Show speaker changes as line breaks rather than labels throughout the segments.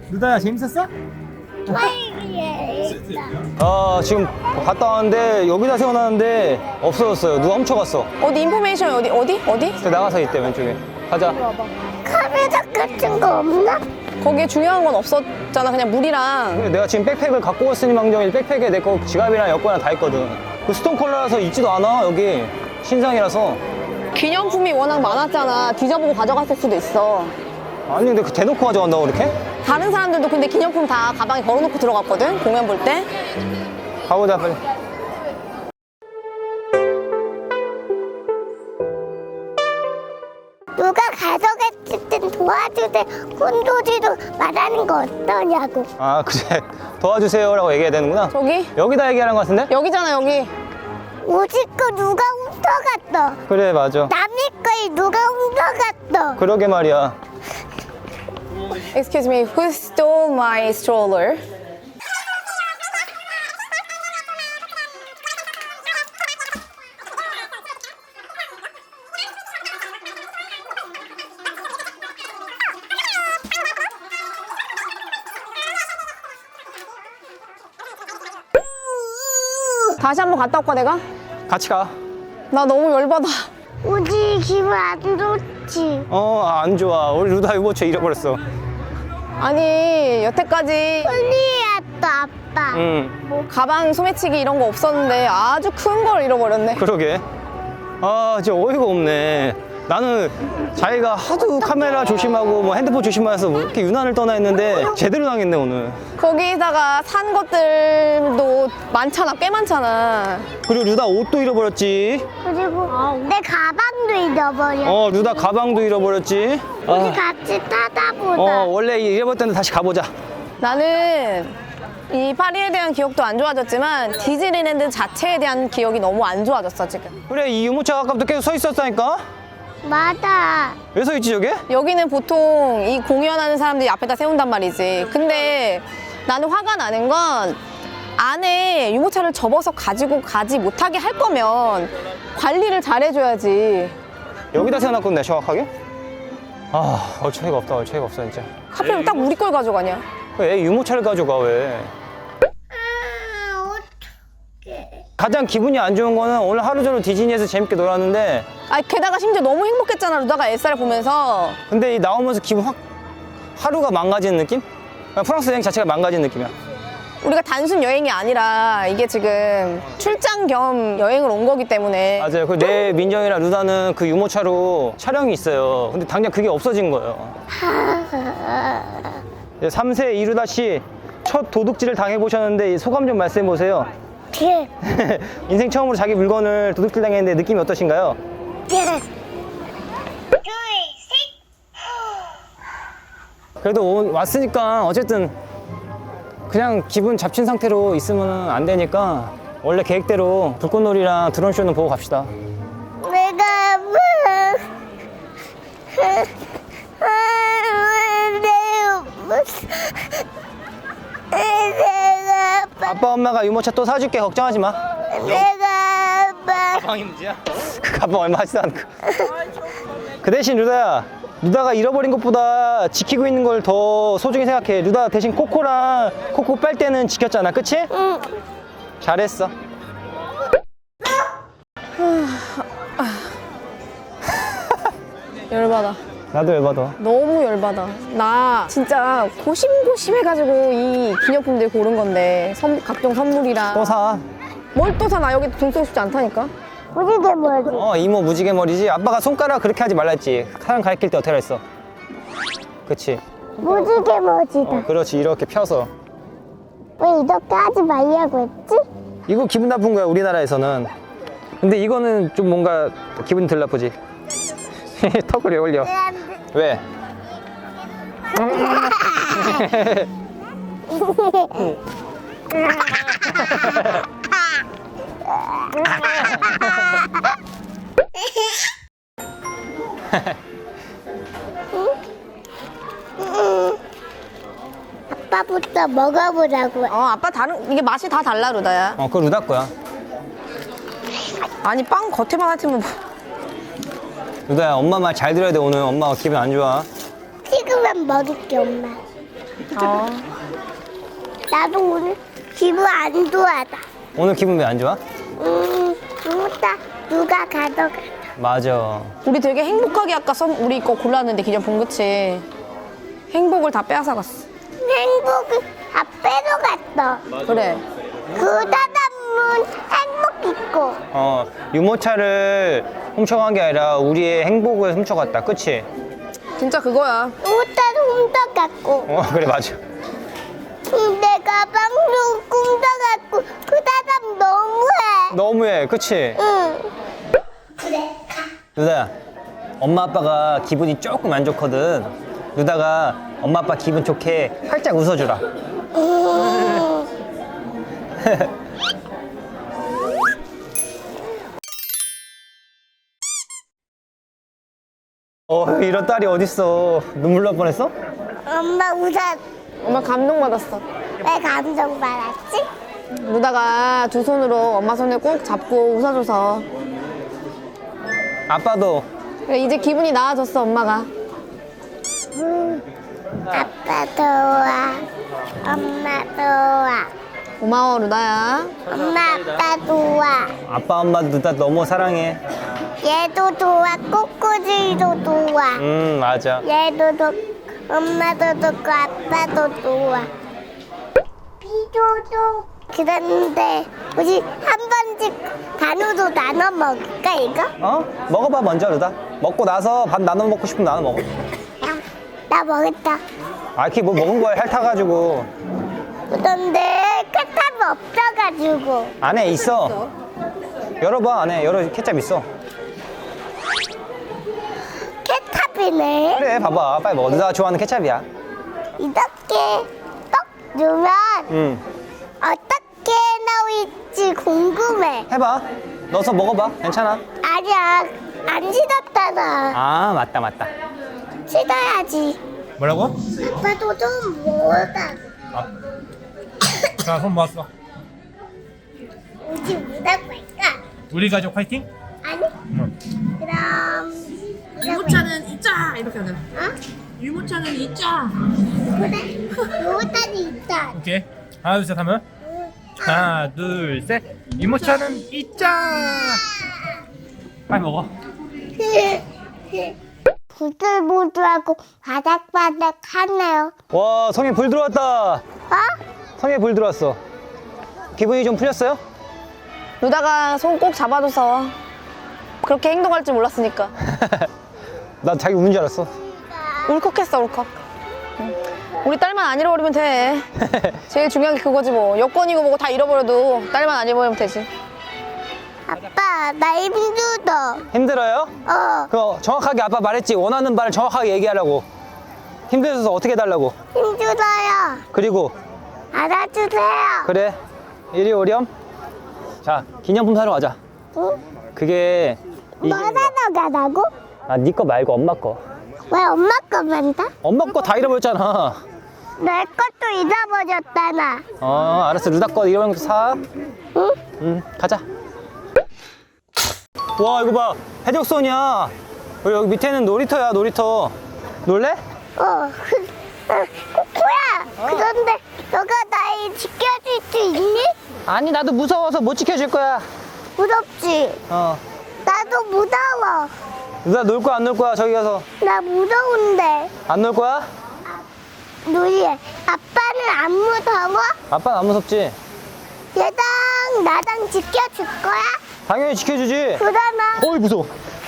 루다야 재밌었어? 지금 갔다 왔는데 여기다 세워놨는데 없어졌어요. 누가 훔쳐갔어.
어디 인포메이션 어디?
그 나가서 있대 왼쪽에. 가자.
카메라 같은 거 없나?
거기에 중요한 건 없었잖아. 그냥 물이랑.
근데 내가 지금 백팩을 갖고 왔으니 망정이 백팩에 내 거 지갑이랑 여권이랑 다 있거든. 그 스톤 컬러라서 있지도 않아 여기. 신상이라서.
기념품이 워낙 많았잖아. 뒤져보고 가져갔을 수도 있어.
아니 근데 그 대놓고 가져간다고 이렇게?
다른 사람들도 근데 기념품 다 가방에 걸어놓고 들어갔거든. 공연 볼 때.
가보자 빨리.
누가 가져갔을 땐 도와주되 혼도지로 말하는 거 어떠냐고.
아 그래. 도와주세요라고 얘기해야 되는구나.
저기?
여기다 얘기하는 것 같은데?
여기잖아 여기.
우리 거 누가 훔쳐갔어.
그래 맞아.
남의 걸 누가 훔쳐갔어.
그러게 말이야.
Excuse me, who stole my stroller? 다시 한번 갔다 올까 내가?
같이 가.
나 너무 열받아.
우리 기분 안 좋지.
안 좋아. 우리 루다 유모차 잃어버렸어.
아니 여태까지
큰일이었다 아빠.
응.
가방 소매치기 이런 거 없었는데 아주 큰 걸 잃어버렸네.
그러게. 진짜 어이가 없네. 나는 자기가 하도 카메라 조심하고 뭐 핸드폰 조심하면서 뭐 이렇게 유난을 떠나 있는데 제대로 당했네 오늘.
거기다가 산 것들도 많잖아, 꽤 많잖아.
그리고 루다 옷도 잃어버렸지.
그리고 내 가방도 잃어버려.
루다 가방도 잃어버렸지.
우리 같이 타다 보자.
원래 잃어버렸을 때는 다시 가보자.
나는 이 파리에 대한 기억도 안 좋아졌지만 디즈니랜드 자체에 대한 기억이 너무 안 좋아졌어 지금.
그래 이 유모차가 아까부터 계속 서 있었다니까.
맞아.
왜 서 있지 저게?
여기는 보통 이 공연하는 사람들이 앞에다 세운단 말이지. 근데 나는 화가 나는 건 안에 유모차를 접어서 가지고 가지 못하게 할 거면 관리를 잘 해줘야지.
여기다 세워놨거든 정확하게. 얼차이가 없다. 얼차이가 없어 진짜.
하필 딱 우리 걸 가져가냐.
왜 유모차를 가져가 왜? 가장 기분이 안 좋은 거는 오늘 하루 종일 디즈니에서 재밌게 놀았는데
게다가 심지어 너무 행복했잖아 루다가 엘사를 보면서.
근데 이 나오면서 기분 확 하루가 망가지는 느낌? 그냥 프랑스 여행 자체가 망가지는 느낌이야.
우리가 단순 여행이 아니라 이게 지금 출장 겸 여행을 온 거기 때문에.
맞아요. 내 민정이랑 루다는 그 유모차로 촬영이 있어요. 근데 당장 그게 없어진 거예요. 3세 이루다 씨 첫 도둑질을 당해보셨는데 소감 좀 말씀해 보세요. 인생 처음으로 자기 물건을 도둑질 당했는데 느낌이 어떠신가요? 그래도 왔으니까 어쨌든 그냥 기분 잡친 상태로 있으면 안 되니까 원래 계획대로 불꽃놀이랑 드론쇼는 보고 갑시다.
내가
아빠 엄마가 유모차 또 사줄게. 걱정하지 마.
내가 아빠.
가방이 문제야? 그 가방 얼마 하지도 않고. 그 대신 루다가 잃어버린 것보다 지키고 있는 걸 더 소중히 생각해. 루다 대신 코코랑 코코 빨 때는 지켰잖아. 그치?
응.
잘했어.
열받아.
나도 열받아.
너무 열받아. 나 진짜 고심고심해가지고 이 기념품들 고른 건데 각종 선물이랑.
또 사.
뭘 또 사? 나 여기 돈 쓰고 싶지 않다니까.
무지개 머리.
이모 무지개 머리지. 아빠가 손가락 그렇게 하지 말라 했지. 사람 가리킬 때 어떻게 했어? 그치?
무지개 머리다.
그렇지. 이렇게 펴서.
왜 이렇게 하지 말라고 했지?
이거 기분 나쁜 거야 우리나라에서는. 근데 이거는 좀 뭔가 기분이 덜 나쁘지. 턱을 왜 올려? 왜?
아빠부터 먹어보라고.
아빠 이게 맛이 다 달라 루다야.
그거 루다 거야.
아니 빵 겉에만 하트면
루다야 엄마 말 잘 들어야 돼. 오늘 엄마가 기분 안 좋아.
식으면 먹을게 엄마. 나도 오늘 기분 안 좋아다.
오늘 기분 왜 안 좋아?
누구다 누가 가져가.
맞아.
우리 되게 행복하게 아까 우리 거 골랐는데 기념품 그치? 행복을 다 빼앗아갔어.
행복을 다 빼러갔어.
그래.
그 사람은 행복 있고.
유모차를 훔쳐간 게 아니라 우리의 행복을 훔쳐갔다. 그치?
진짜 그거야.
옷자도 훔쳐갔고.
그래, 맞아.
내 가방도 훔쳐갔고. 그 사람 너무해.
너무해. 그치?
응. 그래.
루다야, 엄마 아빠가 기분이 조금 안 좋거든. 루다가 엄마 아빠 기분 좋게 활짝 웃어주라. 이런 딸이 어딨어. 눈물 날 뻔했어?
엄마 웃어.
엄마 감동받았어.
왜 감정 받았지?
루다가 두 손으로 엄마 손을 꼭 잡고 웃어줘서.
아빠도.
그래, 이제 기분이 나아졌어, 엄마가.
아빠 좋아. 엄마 좋아.
고마워, 루다야.
엄마 아빠 좋아.
아빠 엄마 루다 너무 사랑해.
얘도 좋아. 꼬꼬지도 좋아.
맞아.
얘도 좋고 엄마도 좋고 아빠도 좋아. 비도도 그런데 우리 한 번씩 단우도 나눠 먹을까 이거?
먹어봐 먼저 루다. 먹고 나서 밥 나눠 먹고 싶으면 나눠 먹어.
나 먹었다.
그게 뭐 먹은 거야 핥아가지고.
그런데 케찹이 없어가지고.
안에 있어. 열어봐. 안에 케찹 있어.
케찹이네.
그래 봐봐. 빨리 먹어. 루다가 좋아하는 케찹이야.
이렇게 떡 넣으면 어떻게 나올지 궁금해.
해봐. 넣어서 먹어봐. 괜찮아.
아니야, 안 씻었잖아.
맞다.
씻어야지.
뭐라고?
아빠도 좀 먹었다.
자, 손 모았어.
우리 뭐라고 할까?
우리 가족 화이팅?
아니? 그럼
유모차는 있자 이렇게 하잖아.
어?
유모차는 있자.
그래. 요거까지 있다.
오케이. 하나, 둘, 셋 하면. 하나, 둘, 셋. 유모차는 있자. 빨리 먹어.
부들부들하고 바닥바닥하네요.
와 성에 불 들어왔다.
어?
성에 불 들어왔어. 기분이 좀 풀렸어요?
루다가 손 꼭 잡아줘서 그렇게 행동할 줄 몰랐으니까.
나 자기 우는 줄 알았어.
울컥했어, 울컥. 우리 딸만 안 잃어버리면 돼. 제일 중요한 게 그거지 뭐. 여권이고 뭐고 다 잃어버려도 딸만 안 잃어버리면 되지.
아빠, 나 힘들어.
힘들어요? 그거 정확하게 아빠 말했지. 원하는 바를 정확하게 얘기하라고. 힘들어서 어떻게 해달라고.
힘들어요.
그리고
알아주세요.
그래 이리 오렴. 자 기념품 사러 가자.
응?
그게
뭐 사러 가라고?
네 거 말고 엄마 거.
왜 엄마 거만 다?
엄마 거 다 잃어버렸잖아.
내 것도 잊어버렸잖아.
알았어. 루다 거 잃어버린 것도 사.
응?
가자. 와 이거 봐. 해적선이야. 여기 밑에는 놀이터야. 놀이터. 놀래?
코코야. 그런데 너가 날 지켜줄 수 있니?
아니 나도 무서워서 못 지켜줄 거야.
무섭지? 나도 무서워.
루다 놀 거야 안 놀 거야? 저기 가서.
나 무서운데.
안 놀 거야?
누리, 아빠는 안 무서워?
아빠는 안 무섭지?
얘랑 나랑 지켜줄 거야?
당연히 지켜주지.
그러나
어이 무서워.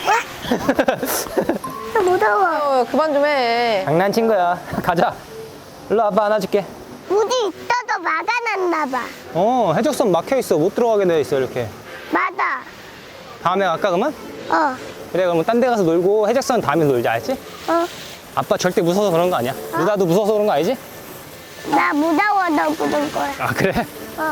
무서워.
그만 좀 해.
장난친 거야. 가자. 일로 아빠 안아줄게.
문이 있어도 막아놨나 봐.
해적선 막혀 있어. 못 들어가게 돼 있어 이렇게.
맞아.
다음에 갈까 그러면? 그래 그러면 딴 데 가서 놀고 해적선 다음에 놀자 알지? 아빠 절대 무서워서 그런 거 아니야. 루다도 무서워서 그런 거 아니지?
나 무서워, 너 부른 거야.
아 그래?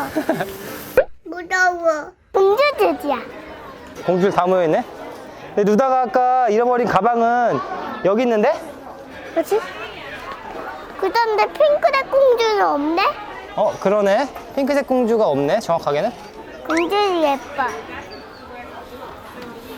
무서워. 공주들이야.
공주들 다 모여있네. 근데 루다가 아까 잃어버린 가방은 여기 있는데?
그렇지? 그런데 핑크색 공주는 없네?
그러네. 핑크색 공주가 없네 정확하게는.
공주는 예뻐.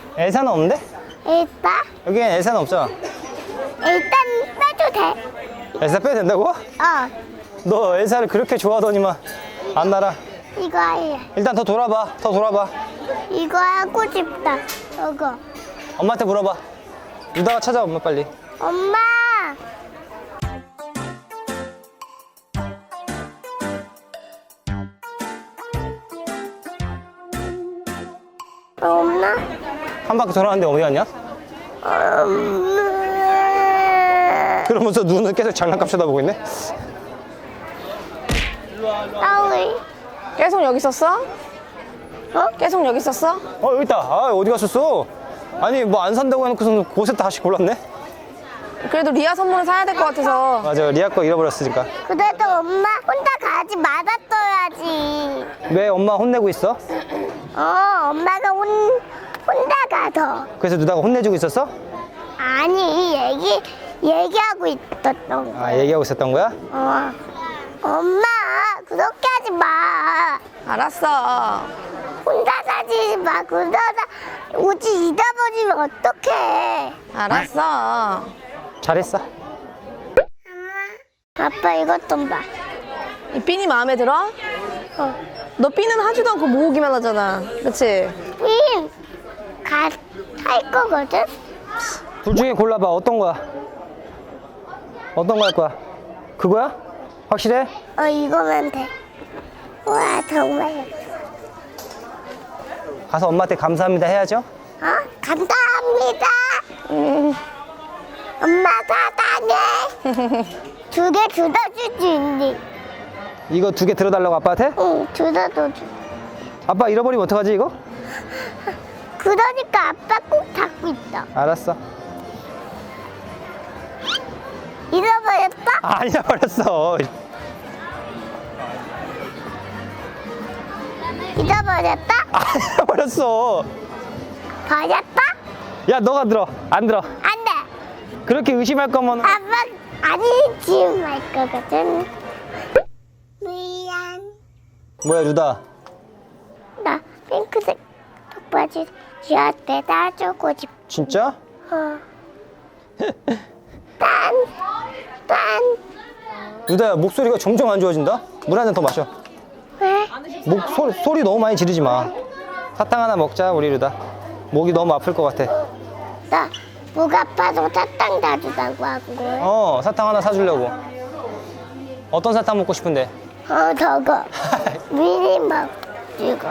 엘사는 없는데?
일단
여기엔 엘사는 없잖아.
빼도 돼.
엘사 빼도 된다고? 너 엘사를 그렇게 좋아하더니만 안 날아.
이거 해.
일단 더 돌아봐. 더 돌아봐.
이거 하고 싶다. 이거.
엄마한테 물어봐. 루다가 찾아 엄마 빨리.
엄마. 엄마.
한 바퀴 돌아왔는데 어디 갔냐?
엄마.
그러면서 눈은 계속 장난감 쳐다보고 있네.
아우이.
계속 여기 있었어? 계속 여기 있었어?
여기 있다. 아 어디 갔었어? 아니 뭐 안 산다고 해놓고서는 곳에 다시 골랐네.
그래도 리아 선물을 사야 될 것 같아서.
맞아 리아 거 잃어버렸으니까.
그래도 엄마 혼자 가지 말았어야지.
왜 엄마 혼내고 있어?
엄마가 혼자 가서.
그래서 누나가 혼내주고 있었어?
아니, 얘기하고 있었던 거야.
아 얘기하고 있었던 거야?
엄마, 그렇게 하지 마.
알았어.
혼자 가지 마. 그러다 우지 잊어버리면 어떡해.
알았어.
잘했어.
아빠 이것 좀 봐.
이 핀이 마음에 들어? 너 핀은 하지도 않고 모으기만 하잖아. 그치?
할 거거든?
둘 중에 골라봐. 어떤 거야? 어떤 거 할 거야? 그거야? 확실해?
이거면 돼. 와, 정말.
가서 엄마한테 감사합니다 해야죠?
감사합니다. 엄마 사랑해. 2개 주워줄 수 있니?
이거 2개 들어달라고 아빠한테?
응, 주워줘.
아빠 잃어버리면 어떡하지 이거?
그러니까 아빠 꼭 잡고 있어.
알았어.
잃어버렸어?
안 잃어버렸어.
잃어버렸다?
안 잃어버렸어.
버렸다?
야 너가 들어. 안 들어.
안 돼.
그렇게 의심할 거면
아빠 아니 지금 할 거거든. 미안. 뭐야
루다?
나 핑크색 턱바지 지한테 따주고 싶어.
진짜?
딴.
루다야 목소리가 점점 안 좋아진다? 물 한 잔 더 마셔.
왜?
소리 너무 많이 지르지 마. 사탕 하나 먹자 우리 루다. 목이 너무 아플 것 같아.
나 목 아파서 사탕 놔주다고 한 거야.
사탕 하나 사주려고. 어떤 사탕 먹고 싶은데?
저거. 미니 먹 이거.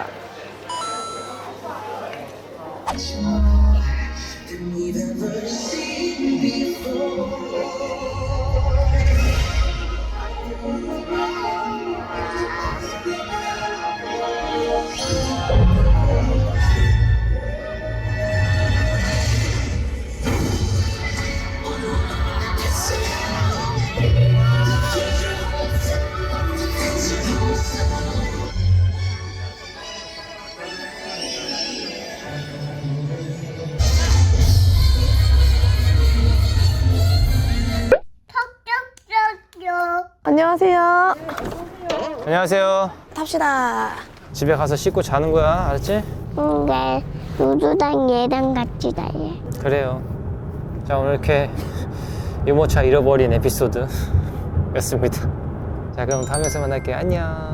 안녕하세요.
안녕하세요.
탑시다.
집에 가서 씻고 자는 거야, 알았지?
네. 누구랑 얘랑 같이 다녀.
그래요. 자 오늘 이렇게 유모차 잃어버린 에피소드였습니다. 자 그럼 다음에서 만날게요. 안녕.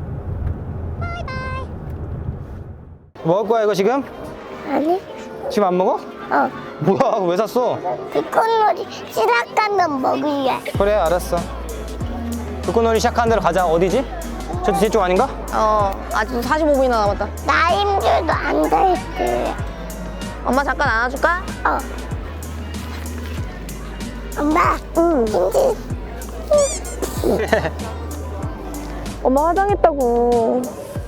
먹을 거야 이거 지금?
아니?
지금 안 먹어? 뭐야 그거 왜 샀어?
불꽃놀이 시작하면 먹을래.
그래 알았어. 불꽃놀이 시작하는 대로 가자. 어디지? 저쪽 아닌가?
아직도 45분이나 남았다.
나 힘들도 앉아있을래.
엄마 잠깐 안아줄까?
엄마, 힘들.
엄마 화장했다고.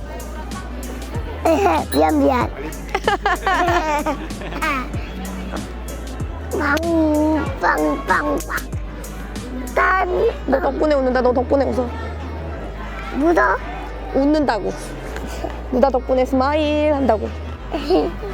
미안. 빵빵빵빵.
너 덕분에 웃는다. 너 덕분에 웃어.
묻어?
웃는다고. 누나 덕분에 스마일 한다고.